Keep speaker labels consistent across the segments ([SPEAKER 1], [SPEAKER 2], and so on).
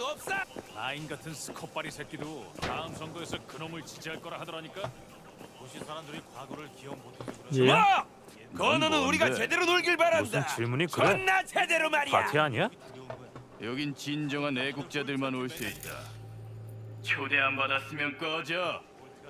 [SPEAKER 1] 수 없어.
[SPEAKER 2] 라인 같은 스컷바리 새끼도 다음 선거에서 그놈을 지지할 거라 하더라니까. 도시 사람들이 과거를 기억 못해서 그래.
[SPEAKER 3] 예?
[SPEAKER 1] 뭐? 건우는
[SPEAKER 2] 뭔데?
[SPEAKER 1] 우리가 제대로 놀길 바란다.
[SPEAKER 4] 무슨 질문이 그래?
[SPEAKER 1] 존나 제대로 말이야.
[SPEAKER 4] 파티 아니야?
[SPEAKER 5] 여긴 진정한 애국자들만 올 수 있다. 초대 안 받았으면 꺼져.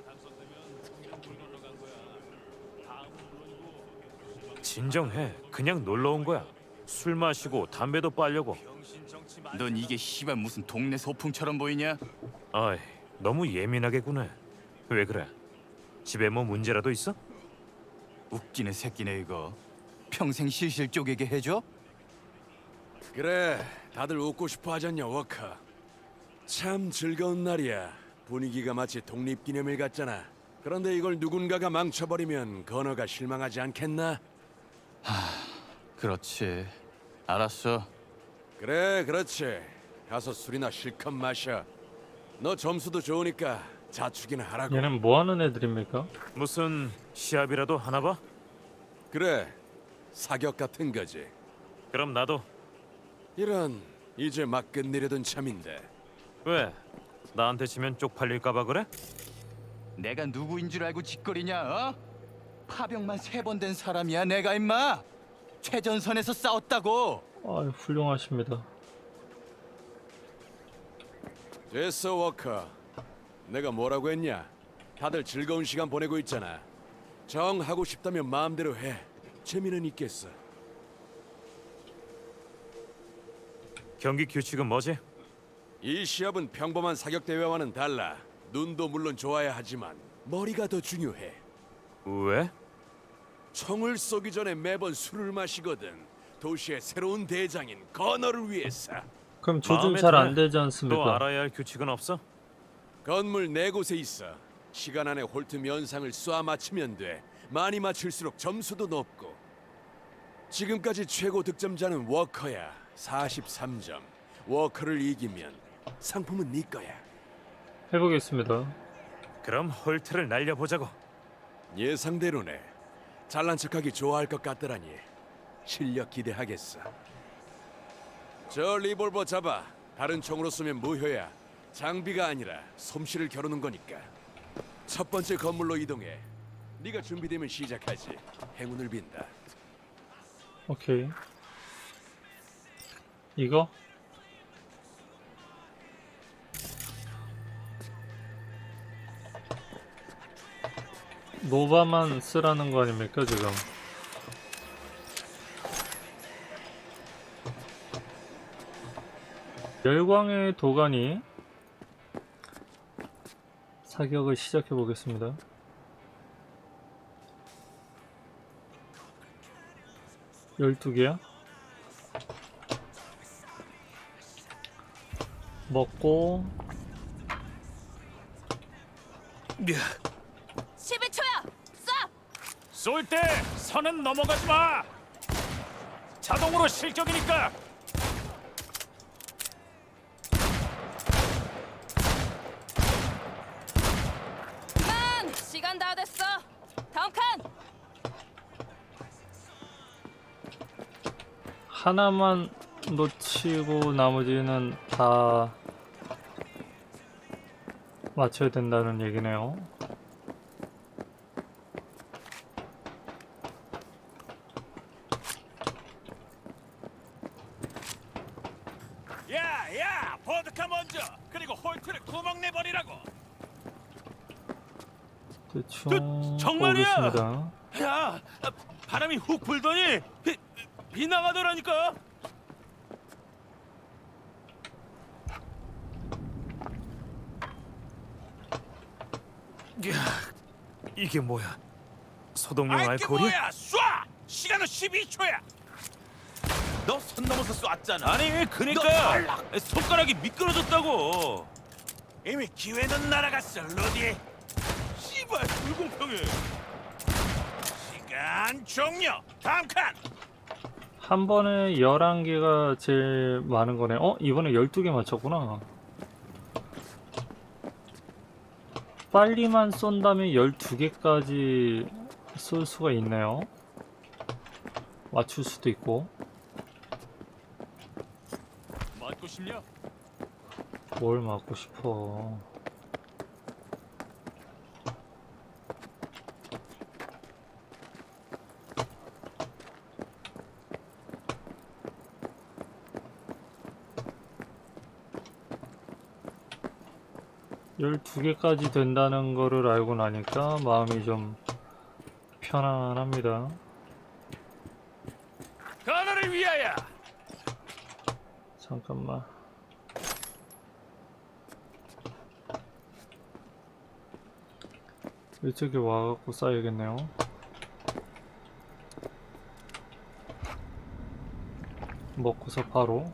[SPEAKER 4] 진정해. 그냥 놀러 온 거야. 술 마시고 담배도 빨려고.
[SPEAKER 5] 넌 이게 씨발 무슨 동네 소풍처럼 보이냐?
[SPEAKER 4] 아이, 너무 예민하게 구네. 왜 그래? 집에 뭐 문제라도 있어?
[SPEAKER 5] 웃기는 새끼네 이거. 평생 실실 쪼개게 해줘?
[SPEAKER 6] 그래, 다들 웃고 싶어 하잖냐, 워커. 참 즐거운 날이야. 분위기가 마치 독립기념일 같잖아. 그런데 이걸 누군가가 망쳐버리면 건어가 실망하지 않겠나?
[SPEAKER 5] 그렇지. 알았어.
[SPEAKER 6] 그래, 그렇지. 가서 술이나 실컷 마셔. 너 점수도 좋으니까 자축이나 하라고.
[SPEAKER 3] 얘는 뭐 하는 애들입니까?
[SPEAKER 4] 무슨 시합이라도 하나 봐?
[SPEAKER 6] 그래, 사격 같은 거지.
[SPEAKER 4] 그럼 나도.
[SPEAKER 6] 이런, 이제 막 끝내려던 참인데.
[SPEAKER 4] 왜? 나한테 치면 쪽팔릴까 봐 그래?
[SPEAKER 5] 내가 누구인 줄 알고 짓거리냐? 어? 파병만 3번 된 사람이야 내가 임마. 최전선에서 싸웠다고.
[SPEAKER 3] 아, 훌륭하십니다.
[SPEAKER 6] 됐어, 워커. 내가 뭐라고 했냐? 다들 즐거운 시간 보내고 있잖아. 정 하고 싶다면 마음대로 해. 재미는 있겠어.
[SPEAKER 4] 경기 규칙은 뭐지?
[SPEAKER 6] 이 시합은 평범한 사격 대회와는 달라. 눈도 물론 좋아야 하지만 머리가 더 중요해.
[SPEAKER 4] 왜?
[SPEAKER 6] 총을 쏘기 전에 매번 술을 마시거든. 도시의 새로운 대장인 건어를 위해서.
[SPEAKER 3] 그럼 조준
[SPEAKER 4] 마음에
[SPEAKER 3] 잘
[SPEAKER 4] 드네.
[SPEAKER 3] 안 되지
[SPEAKER 4] 또
[SPEAKER 3] 않습니까?
[SPEAKER 4] 알아야 할 규칙은 없어?
[SPEAKER 6] 건물 4곳에 있어. 시간 안에 홀트 면상을 쏴 맞추면 돼. 많이 맞출수록 점수도 높고. 지금까지 최고 득점자는 워커야. 43점. 워커를 이기면 상품은 네 거야.
[SPEAKER 3] 해보겠습니다.
[SPEAKER 4] 그럼 홀트를 날려보자고.
[SPEAKER 6] 예상대로네. 잘난 척하기 좋아할 것 같더라니. 실력 기대하겠어. 저 리볼버 잡아. 다른 총으로 쏘면 무효야. 장비가 아니라 솜씨를 겨루는 거니까. 첫 번째 건물로 이동해. 네가 준비되면 시작하지. 행운을 빈다.
[SPEAKER 3] 오케이. 이거? 노바만 쓰라는 거 아닙니까 지금? 열광의 도가니 사격을 시작해 보겠습니다. 열두 개야? 먹고
[SPEAKER 7] 11초야! 쏴!
[SPEAKER 2] 쏠 때 선은 넘어가지 마. 자동으로 실격이니까.
[SPEAKER 7] 그만! 시간 다 됐어. 다음 칸!
[SPEAKER 3] 하나만 놓치고 나머지는 다 맞춰야 된다는 얘기네요.
[SPEAKER 2] 야, 보드카 먼저. 그리고 홀트를 구멍 내버리라고.
[SPEAKER 3] 대충
[SPEAKER 2] 정말이야?
[SPEAKER 3] 보겠습니다.
[SPEAKER 2] 야, 바람이 훅 불더니 비 나가더라니까.
[SPEAKER 4] 이게 뭐야? 소독용
[SPEAKER 1] 이게
[SPEAKER 4] 알코올이?
[SPEAKER 1] 뭐야? 쏴! 시간은 12초야. 너 선 넘어서 쐈잖아.
[SPEAKER 2] 아니, 그러니까 손가락이 미끄러졌다고.
[SPEAKER 1] 이미 기회는 날아갔어, 루디.
[SPEAKER 2] 씨발, 불공평해.
[SPEAKER 1] 시간 종료. 다음 칸.
[SPEAKER 3] 한 번에 11개가 제일 많은 거네. 이번에 12개 맞췄구나. 빨리만 쏜다면 12개까지 쏠 수가 있네요. 맞출 수도 있고.
[SPEAKER 2] 맞고 싶냐?
[SPEAKER 3] 뭘 맞고 싶어. 열두 개까지 된다는 거를 알고 나니까 마음이 좀 편안합니다.
[SPEAKER 1] 건어를 위하여.
[SPEAKER 3] 잠깐만. 이쪽에 와갖고 쌓여야겠네요. 먹고서 바로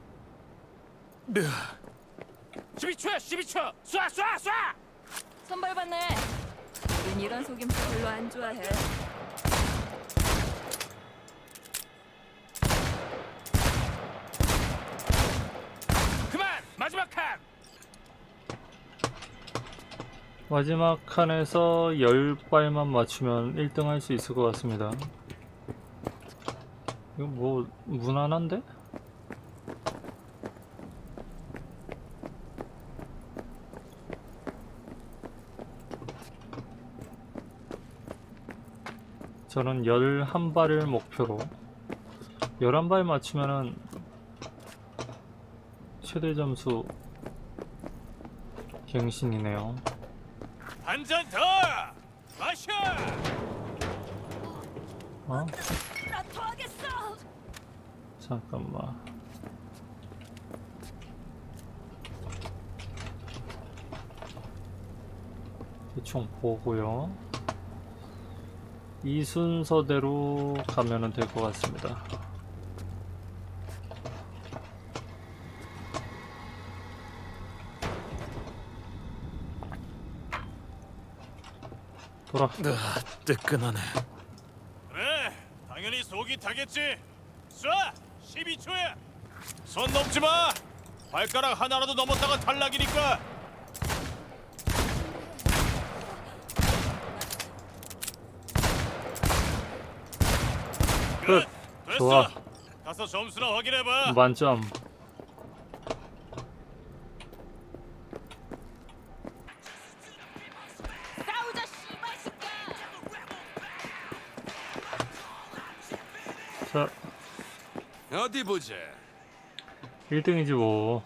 [SPEAKER 1] 12초야 12초. 쏴 쏴 쏴.
[SPEAKER 7] 선발 받네. 우린 이런 속임수 별로 안 좋아해.
[SPEAKER 1] 그만. 마지막 칸.
[SPEAKER 3] 마지막 칸에서 10발만 맞추면 1등 할 수 있을 것 같습니다. 이거 뭐 무난한데? 저는 11발을 목표로 11발 맞추면은 최대 점수 갱신이네요.
[SPEAKER 1] 한 잔 더. 마셔.
[SPEAKER 3] 어?
[SPEAKER 7] 나 토하겠어.
[SPEAKER 3] 잠깐만. 대충 보고요. 이 순서대로 가면은 될 것 같습니다. 돌아.
[SPEAKER 4] 뜨끈하네.
[SPEAKER 2] 그래, 당연히 속이 타겠지. 쏴! 12초야. 손 넘지 마. 발가락 하나라도 넘었다가 탈락이니까.
[SPEAKER 3] 끝.
[SPEAKER 2] 됐어.
[SPEAKER 3] 좋아.
[SPEAKER 2] 가서 점수나 확인해봐.
[SPEAKER 3] 만점.
[SPEAKER 7] 싸우자 씨발 새끼야.
[SPEAKER 3] 자,
[SPEAKER 6] 어디 보자.
[SPEAKER 3] 1등이지 뭐.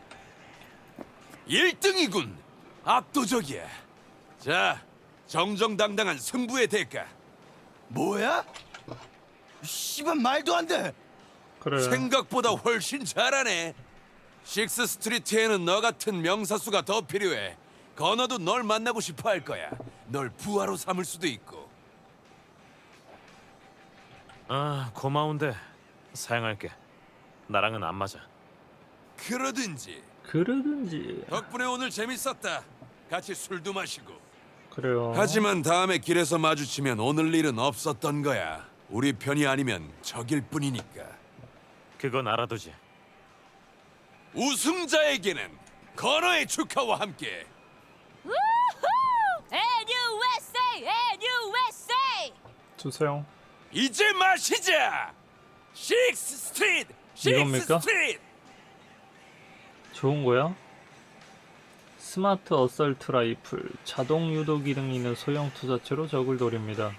[SPEAKER 6] 1등이군. 압도적이야. 자, 정정당당한 승부의 대가.
[SPEAKER 5] 뭐야? 씨발 말도 안 돼.
[SPEAKER 3] 그래.
[SPEAKER 6] 생각보다 훨씬 잘하네. 식스 스트리트에는 너 같은 명사수가 더 필요해. 건어도 널 만나고 싶어 할 거야. 널 부하로 삼을 수도 있고.
[SPEAKER 4] 아, 고마운데 사양할게. 나랑은 안 맞아.
[SPEAKER 6] 그러든지.
[SPEAKER 3] 그러든지.
[SPEAKER 6] 덕분에 오늘 재밌었다. 같이 술도 마시고.
[SPEAKER 3] 그래요.
[SPEAKER 6] 하지만 다음에 길에서 마주치면 오늘 일은 없었던 거야. 우리 편이 아니면 적일 뿐이니까.
[SPEAKER 4] 그건 알아두지.
[SPEAKER 6] 우승자에게는 건어의 축하와 함께
[SPEAKER 7] 우후! NUSA! NUSA!
[SPEAKER 3] 주세요.
[SPEAKER 6] 이제 마시자. 식스 스트리트. 식스
[SPEAKER 3] 이겁니까?
[SPEAKER 6] 스트리트.
[SPEAKER 3] 좋은 거야? 스마트 어설트 라이플, 자동 유도 기능이 있는 소형 투사체로 적을 노립니다.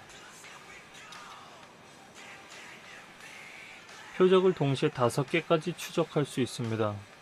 [SPEAKER 3] 표적을 동시에 5개까지 추적할 수 있습니다.